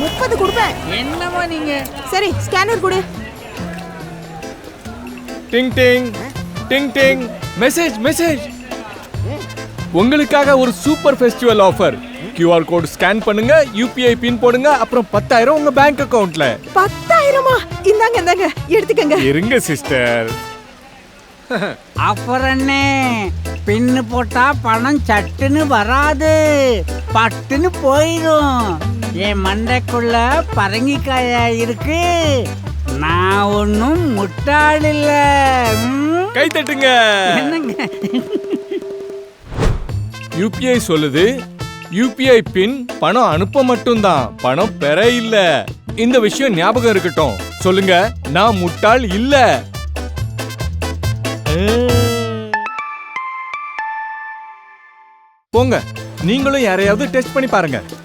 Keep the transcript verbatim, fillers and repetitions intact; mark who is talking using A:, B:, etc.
A: முப்பது கொடுப்பேன்.
B: என்னமா நீங்க?
A: சரி ஸ்கேனர் கொடு.
C: டிங் டிங் டிங் டிங். Message message. உங்களுக்காக ஒரு super festival offer. QR code scan பண்ணுங்க, யூபிஐ பின் போடுங்க, அப்புறம் பத்தாயிரம் உங்க பேங்க் அக்கவுண்ட்ல.
A: பத்தாயிரமா? இந்தாங்க இந்தாங்க எடுத்துக்கங்க.
C: இருங்க சிஸ்டர்.
B: அப்புறம் என்ன, பின்னு போட்டா பணம் சட்டுன்னு வராது, பட்டுன்னு போயிடும். என் மண்டைக்குள்ள பரங்கிக்காயா இருக்கு. நான் ஒன்னும் முட்டாள் இல்ல.
C: கை தட்டுங்க.
B: என்னங்க?
C: யூபிஐ சொல்லுது யூபிஐ பின் பணம் அனுப்ப மட்டும்தான், பணம் பெற இல்ல. இந்த விஷயம் ஞாபகம் இருக்கட்டும். சொல்லுங்க, நான் முட்டாள் இல்ல. போங்க, நீங்களும் யாரையாவது டெஸ்ட் பண்ணி பாருங்க.